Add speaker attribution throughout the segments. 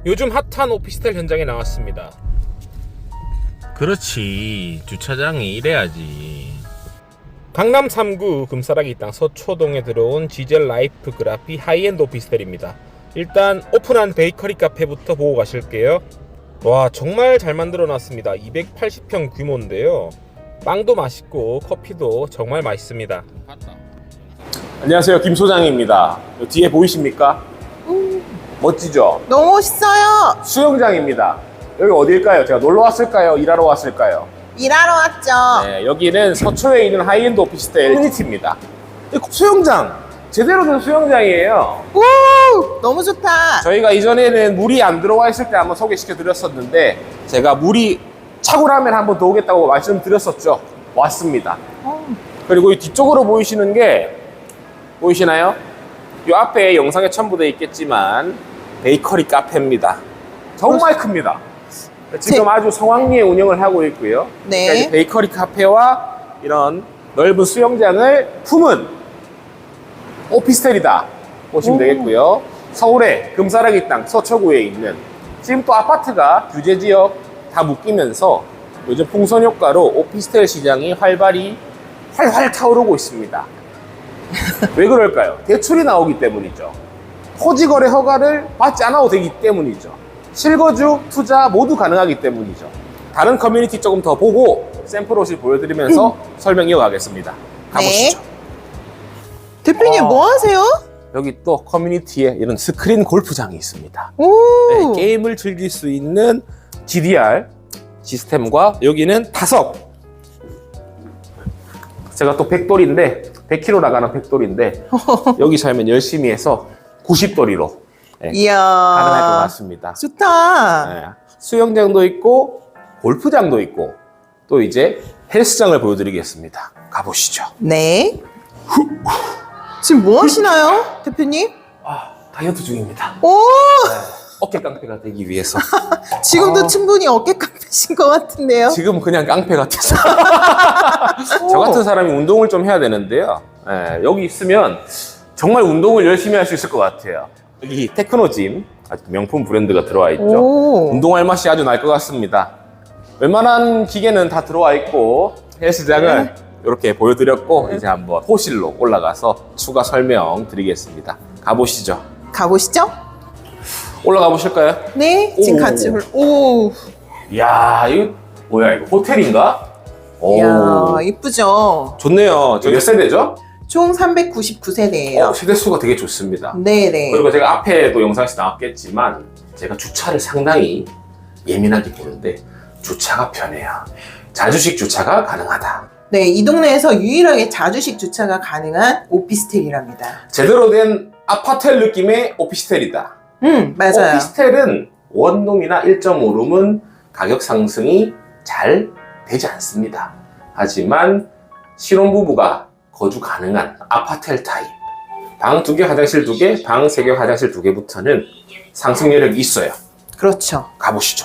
Speaker 1: 요즘 핫한 오피스텔 현장에 나왔습니다. 그렇지, 주차장이 이래야지. 강남 3구 금싸라기 땅 서초동에 들어온 지젤 라이프 그라피 하이엔드 오피스텔입니다. 일단 오픈한 베이커리 카페부터 보고 가실게요. 와, 정말 잘 만들어 놨습니다. 280평 규모인데요. 빵도 맛있고 커피도 정말 맛있습니다. 안녕하세요, 김 소장입니다. 뒤에 보이십니까? 멋지죠?
Speaker 2: 너무 멋있어요.
Speaker 1: 수영장입니다. 여기 어딜까요? 제가 놀러 왔을까요? 일하러 왔을까요?
Speaker 2: 일하러 왔죠.
Speaker 1: 네, 여기는 서초에 있는 하이엔드 오피스텔 커뮤니티입니다. 수영장! 제대로 된 수영장이에요.
Speaker 2: 오, 너무 좋다.
Speaker 1: 저희가 이전에는 물이 안 들어와 있을 때 한번 소개시켜 드렸었는데 제가 물이 차고 나면 한번 더 오겠다고 말씀드렸었죠. 왔습니다. 그리고 이 뒤쪽으로 보이시는 게 보이시나요? 이 앞에 영상에 첨부되어 있겠지만 베이커리 카페입니다. 정말 큽니다. 지금 아주 성황리에 운영을 하고 있고요.
Speaker 2: 네.
Speaker 1: 그러니까 이제 베이커리 카페와 이런 넓은 수영장을 품은 오피스텔이다 보시면 되겠고요. 서울의 금싸라기 땅 서초구에 있는, 지금 또 아파트가 규제 지역 다 묶이면서 요즘 풍선 효과로 오피스텔 시장이 활활 타오르고 있습니다. 왜 그럴까요? 대출이 나오기 때문이죠. 토지거래 허가를 받지 않아도 되기 때문이죠. 실거주, 투자 모두 가능하기 때문이죠. 다른 커뮤니티 조금 더 보고 샘플 옷을 보여드리면서 설명 이어가겠습니다. 가보시죠.
Speaker 2: 네. 대표님 뭐 하세요?
Speaker 1: 여기 또 커뮤니티에 이런 스크린 골프장이 있습니다.
Speaker 2: 오.
Speaker 1: 네, 게임을 즐길 수 있는 GDR 시스템과 여기는 타석. 제가 또 백돌인데 100km 나가는 백돌인데 여기 살면 열심히 해서 90돌이로
Speaker 2: 이야.
Speaker 1: 가능할 것 같습니다.
Speaker 2: 좋다.
Speaker 1: 네, 수영장도 있고 골프장도 있고 또 이제 헬스장을 보여드리겠습니다. 가보시죠.
Speaker 2: 네. 지금 뭐 하시나요, 대표님?
Speaker 1: 다이어트 중입니다.
Speaker 2: 오.
Speaker 1: 어깨 깡패가 되기 위해서.
Speaker 2: 지금도 충분히 어깨 깡패신 것 같은데요.
Speaker 1: 지금 그냥 깡패 같아서. 저 같은 사람이 운동을 좀 해야 되는데요. 네, 여기 있으면 정말 운동을 열심히 할 수 있을 것 같아요. 여기 테크노짐, 아주 명품 브랜드가 들어와 있죠.
Speaker 2: 오.
Speaker 1: 운동할 맛이 아주 날 것 같습니다. 웬만한 기계는 다 들어와 있고 헬스장을 이렇게 보여드렸고 이제 한번 호실로 올라가서 추가 설명 드리겠습니다. 가보시죠.
Speaker 2: 가보시죠.
Speaker 1: 올라가 보실까요?
Speaker 2: 네. 지금
Speaker 1: 오.
Speaker 2: 같이 오.
Speaker 1: 이야, 이거 뭐야, 이거 호텔인가? 오,
Speaker 2: 이야, 이쁘죠?
Speaker 1: 좋네요. 저 몇 세대죠?
Speaker 2: 총 399세대예요.
Speaker 1: 세대수가 되게 좋습니다.
Speaker 2: 네네.
Speaker 1: 그리고 제가 앞에도 영상에서 나왔겠지만 제가 주차를 상당히 예민하게 보는데 주차가 편해요. 자주식 주차가 가능하다.
Speaker 2: 네, 이 동네에서 유일하게 자주식 주차가 가능한 오피스텔이랍니다.
Speaker 1: 제대로 된 아파텔 느낌의 오피스텔이다.
Speaker 2: 맞아요.
Speaker 1: 오피스텔은 원룸이나 1.5룸은 가격 상승이 잘 되지 않습니다. 하지만 신혼부부가 거주 가능한 아파텔 타입, 방 2개, 화장실 2개, 방 3개, 화장실 2개부터는 상승 여력이 있어요.
Speaker 2: 그렇죠.
Speaker 1: 가보시죠.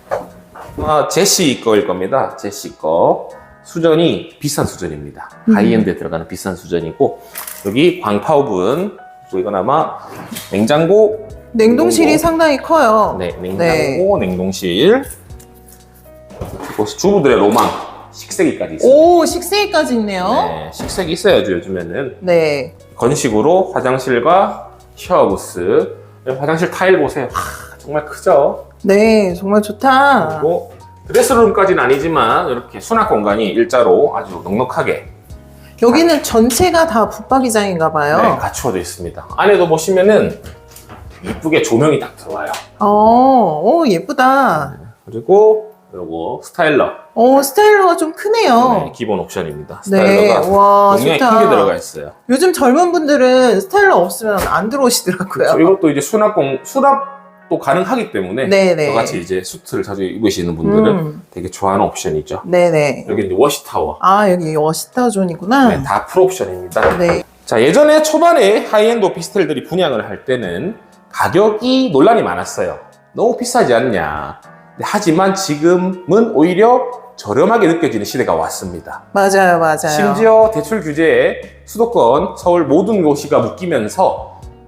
Speaker 1: 제시 거일 겁니다. 제시 거. 수전이 비싼 수전입니다. 하이엔드에 들어가는 비싼 수전이고, 여기 광파오븐, 또 이건 아마 냉장고,
Speaker 2: 냉동실이 상당히 커요.
Speaker 1: 네, 냉장고, 냉동실. 주부들의 로망, 식세기까지 있어요.
Speaker 2: 오, 식세기까지 있네요.
Speaker 1: 네, 식세기 있어야죠, 요즘에는.
Speaker 2: 네.
Speaker 1: 건식으로 화장실과 샤워부스, 화장실 타일 보세요. 정말 크죠?
Speaker 2: 네, 정말 좋다.
Speaker 1: 그리고 드레스룸까지는 아니지만 이렇게 수납 공간이 일자로 아주 넉넉하게
Speaker 2: 여기는 전체가 다 붙박이장인가 봐요.
Speaker 1: 네, 갖추어져 있습니다. 안에도 보시면은 이쁘게 조명이 딱 들어와요.
Speaker 2: 오, 예쁘다.
Speaker 1: 그리고 요거 스타일러.
Speaker 2: 스타일러가 좀 크네요.
Speaker 1: 네, 기본 옵션입니다.
Speaker 2: 네,
Speaker 1: 스타일러가
Speaker 2: 와,
Speaker 1: 용량이
Speaker 2: 좋다.
Speaker 1: 크게 들어가 있어요.
Speaker 2: 요즘 젊은 분들은 스타일러 없으면 안 들어오시더라고요.
Speaker 1: 이것도 이제 수납도 가능하기 때문에
Speaker 2: 네네.
Speaker 1: 저같이 이제 수트를 자주 입으시는 분들은 되게 좋아하는 옵션이죠.
Speaker 2: 네네.
Speaker 1: 여기 이제 워시타워.
Speaker 2: 여기 워시타존이구나.
Speaker 1: 네, 다 풀옵션입니다.
Speaker 2: 네.
Speaker 1: 자, 예전에 초반에 하이엔드 오피스텔들이 분양을 할 때는 가격이 논란이 많았어요. 너무 비싸지 않냐. 하지만 지금은 오히려 저렴하게 느껴지는 시대가 왔습니다.
Speaker 2: 맞아요.
Speaker 1: 심지어 대출 규제에 수도권, 서울 모든 도시가 묶이면서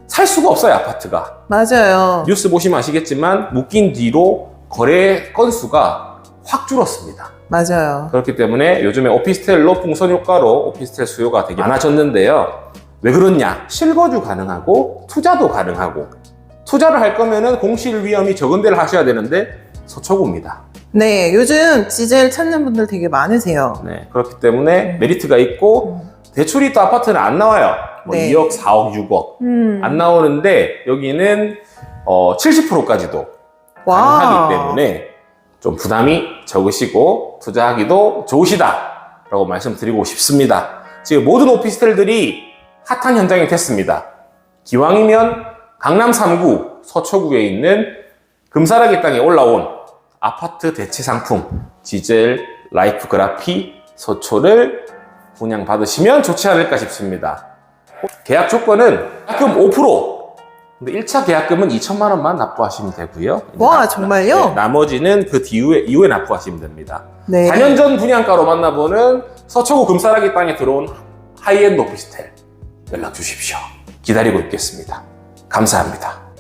Speaker 1: 살 수가 없어요, 아파트가.
Speaker 2: 맞아요.
Speaker 1: 뉴스 보시면 아시겠지만 묶인 뒤로 거래 건수가 확 줄었습니다.
Speaker 2: 맞아요.
Speaker 1: 그렇기 때문에 요즘에 오피스텔로 풍선 효과로 오피스텔 수요가 되게 많아졌는데요. 왜 그렇냐? 실거주 가능하고 투자도 가능하고, 투자를 할 거면은 공실 위험이 적은 데를 하셔야 되는데 서초구입니다.
Speaker 2: 네, 요즘 지젤 찾는 분들 되게 많으세요.
Speaker 1: 네, 그렇기 때문에 메리트가 있고 대출이 또 아파트는 안 나와요. 뭐
Speaker 2: 네.
Speaker 1: 2억, 4억, 6억 안 나오는데 여기는 70%까지도 가능하기 때문에 좀 부담이 적으시고 투자하기도 좋으시다라고 말씀드리고 싶습니다. 지금 모든 오피스텔들이 핫한 현장이 됐습니다. 기왕이면 강남 3구 서초구에 있는 금사라기 땅에 올라온 아파트 대체 상품 지젤 라이프 그라피 서초를 분양받으시면 좋지 않을까 싶습니다. 계약 조건은 계약금 5%, 근데 1차 계약금은 2천만 원만 납부하시면 되고요.
Speaker 2: 와, 정말요?
Speaker 1: 네, 나머지는 그 이후에 납부하시면 됩니다.
Speaker 2: 네.
Speaker 1: 4년 전 분양가로 만나보는 서초구 금사라기 땅에 들어온 하이엔드 오피스텔 연락 주십시오. 기다리고 있겠습니다. 감사합니다.